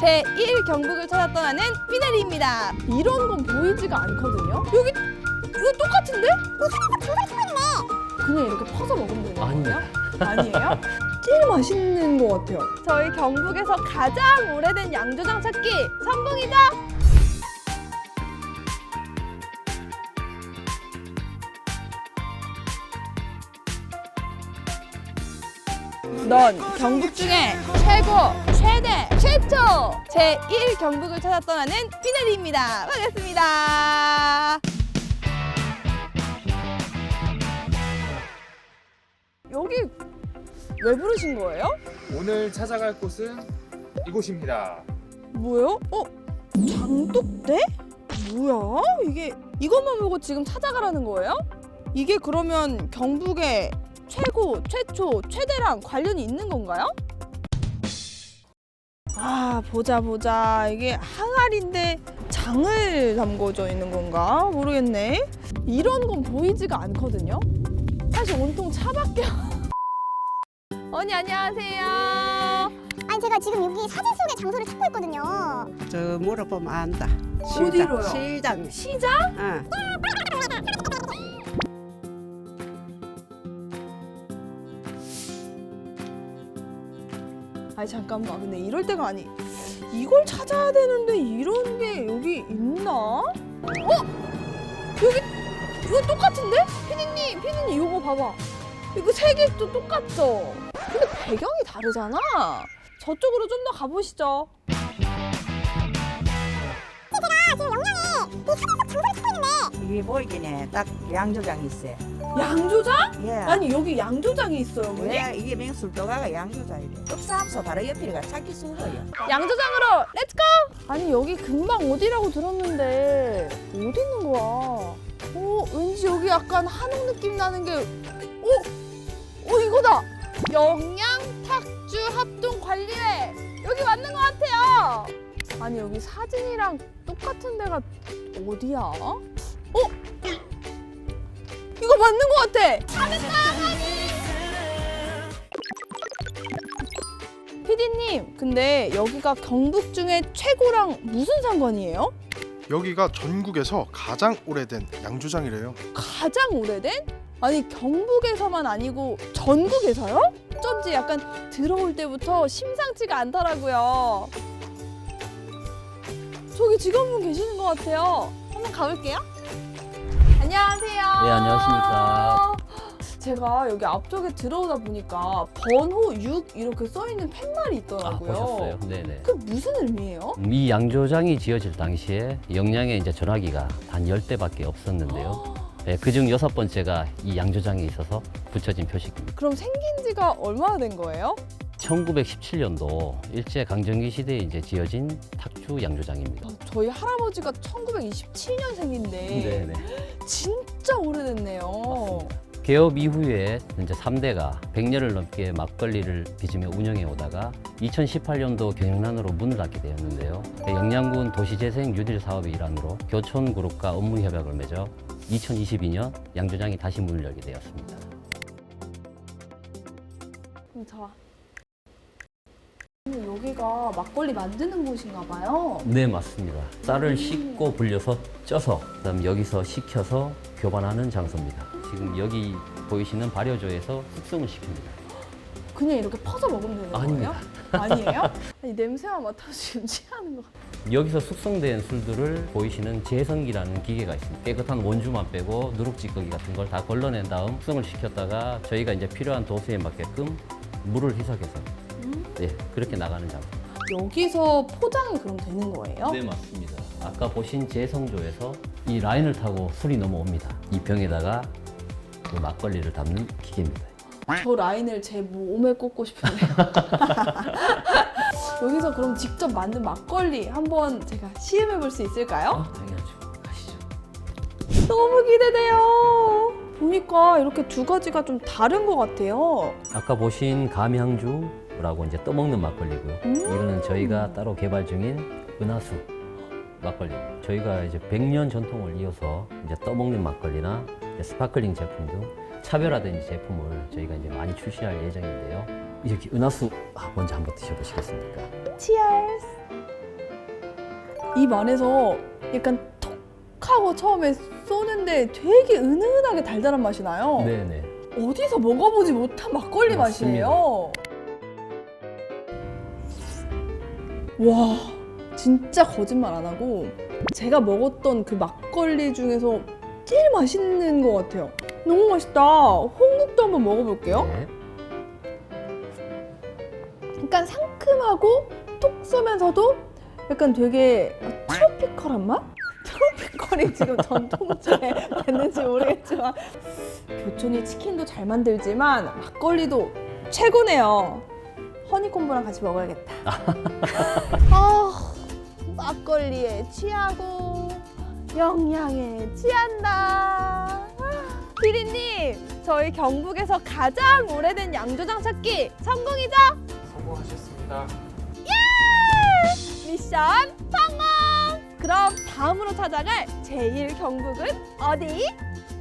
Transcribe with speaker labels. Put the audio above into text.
Speaker 1: 제1 경북을 찾아 떠나는 피네리입니다. 이런 건 보이지가 않거든요. 여기 이거 똑같은데? 그냥 이렇게 퍼서 먹으면 되는 거예요? 아니에요? 제일 맛있는 것 같아요. 저희 경북에서 가장 오래된 양조장 찾기 성공이죠? 넌 경북 중에 최고, 최대, 최초 제1 경북을 찾아 떠나는 피네리입니다. 반갑습니다. 여기 왜 부르신 거예요?
Speaker 2: 오늘 찾아갈 곳은 이곳입니다.
Speaker 1: 뭐요? 장독대? 뭐야? 이것만 보고 지금 찾아가라는 거예요? 이게 그러면 경북의 최고, 최초, 최대랑 관련이 있는 건가요? 아, 보자. 이게 항아리인데 장을 담궈져 있는 건가? 모르겠네. 이런 건 보이지가 않거든요. 사실 온통 차밖에. 언니 안녕하세요.
Speaker 3: 아니 제가 지금 여기 사진 속의 장소를 찾고 있거든요.
Speaker 4: 저 물어보면 안다.
Speaker 1: 어디로요?
Speaker 4: 시장.
Speaker 1: 시장?
Speaker 4: 응.
Speaker 1: 아니 잠깐만, 근데 이럴 때가 아니. 이걸 찾아야 되는데 이런 게 여기 있나? 여기 이거 똑같은데? 피디님 이거 봐봐. 이거 세 개 또 똑같죠? 근데 배경이 다르잖아. 저쪽으로 좀 더 가보시죠.
Speaker 4: 이게 보이긴 해. 딱 양조장이 있어요.
Speaker 1: 양조장?
Speaker 4: 예.
Speaker 1: 아니 여기 양조장이 있어요, 어머니?
Speaker 4: 예, 이게 맹술도가가 양조장이래. 읍사함소 바로 옆이가 찾기 수고요.
Speaker 1: 양조장으로 렛츠고! 아니 여기 금방 어디라고 들었는데 어디 있는 거야? 왠지 여기 약간 한옥 느낌 나는 게 이거다! 영양탁주합동관리회! 여기 맞는 것 같아요! 아니 여기 사진이랑 똑같은 데가 어디야? 이거 맞는 것 같아! 잘했다! 피디님, 근데 여기가 경북 중에 최고랑 무슨 상관이에요?
Speaker 5: 여기가 전국에서 가장 오래된 양조장이래요.
Speaker 1: 가장 오래된? 아니 경북에서만 아니고 전국에서요? 어쩐지 약간 들어올 때부터 심상치가 않더라고요. 저기 직원분 계시는 것 같아요. 한번 가볼게요. 안녕하세요.
Speaker 6: 네, 안녕하십니까.
Speaker 1: 제가 여기 앞쪽에 들어오다 보니까 번호 6 이렇게 써있는 팻말이 있더라고요.
Speaker 6: 보셨어요? 네네.
Speaker 1: 그 무슨 의미예요?
Speaker 6: 이 양조장이 지어질 당시에 영양의 이제 전화기가 단 10대밖에 없었는데요. 네, 그중 6번째가 이 양조장에 있어서 붙여진 표식입니다.
Speaker 1: 그럼 생긴 지가 얼마나 된 거예요?
Speaker 6: 1917년도 일제 강점기 시대에 이제 지어진 탁주 양조장입니다.
Speaker 1: 저희 할아버지가 1927년생인데
Speaker 6: 네네.
Speaker 1: 진짜 오래됐네요.
Speaker 6: 개업 이후에 이제 3대가 100년을 넘게 막걸리를 빚으며 운영해 오다가 2018년도 경영난으로 문을 닫게 되었는데요. 영양군 도시재생 뉴딜 사업의 일환으로 교촌그룹과 업무 협약을 맺어 2022년 양조장이 다시 문을 열게 되었습니다.
Speaker 1: 자, 여기가 막걸리 만드는 곳인가 봐요.
Speaker 6: 네, 맞습니다. 쌀을 씻고 불려서 쪄서 그다음 여기서 식혀서 교반하는 장소입니다. 지금 여기 보이시는 발효조에서 숙성을 시킵니다.
Speaker 1: 그냥 이렇게 퍼서 먹으면 되는
Speaker 6: 아닙니다.
Speaker 1: 거예요? 아니에요? 아니 냄새만 맡아서 지금 취하는 것 같아요.
Speaker 6: 여기서 숙성된 술들을 보이시는 제성기라는 기계가 있습니다. 깨끗한 원주만 빼고 누룩찌꺼기 같은 걸 다 걸러낸 다음 숙성을 시켰다가 저희가 이제 필요한 도수에 맞게끔 물을 희석해서 네, 그렇게 나가는 장소.
Speaker 1: 여기서 포장이 그럼 되는 거예요?
Speaker 6: 네, 맞습니다. 아까 보신 제성조에서 이 라인을 타고 술이 넘어옵니다. 이 병에다가 그 막걸리를 담는 기계입니다.
Speaker 1: 저 라인을 제 몸에 꽂고 싶은데요. 여기서 그럼 직접 만든 막걸리 한번 제가 시음해 볼 수 있을까요?
Speaker 6: 당연하죠. 가시죠.
Speaker 1: 너무 기대돼요. 보니까 이렇게 두 가지가 좀 다른 것 같아요.
Speaker 6: 아까 보신 감향주라고 이제 떠먹는 막걸리고요. 이거는 저희가 따로 개발 중인 은하수 막걸리입니다. 저희가 이제 100년 전통을 이어서 이제 떠먹는 막걸리나 이제 스파클링 제품 등 차별화된 제품을 저희가 이제 많이 출시할 예정인데요. 이렇게 은하수 먼저 한번 드셔보시겠습니까?
Speaker 1: Cheers. 입 안에서 약간 톡 하고 처음에 쏘는데 되게 은은하게 달달한 맛이 나요.
Speaker 6: 네네.
Speaker 1: 어디서 먹어보지 못한 막걸리
Speaker 6: 맞습니다.
Speaker 1: 맛이에요. 와, 진짜 거짓말 안 하고 제가 먹었던 그 막걸리 중에서 제일 맛있는 것 같아요. 너무 맛있다. 홍국도 한번 먹어볼게요.
Speaker 6: 네.
Speaker 1: 약간 상큼하고 톡 쏘면서도 약간 되게 트로피컬한 맛? 트로피컬이 지금 전통주에 맞는지 모르겠지만 교촌이 치킨도 잘 만들지만 막걸리도 최고네요. 허니콤보랑 같이 먹어야겠다. 막걸리에 취하고 영양에 취한다. 피디님, 저희 경북에서 가장 오래된 양조장 찾기 성공이죠?
Speaker 2: 성공하셨습니다.
Speaker 1: 미션 성공! 그럼 다음으로 찾아갈 제1 경북은 어디?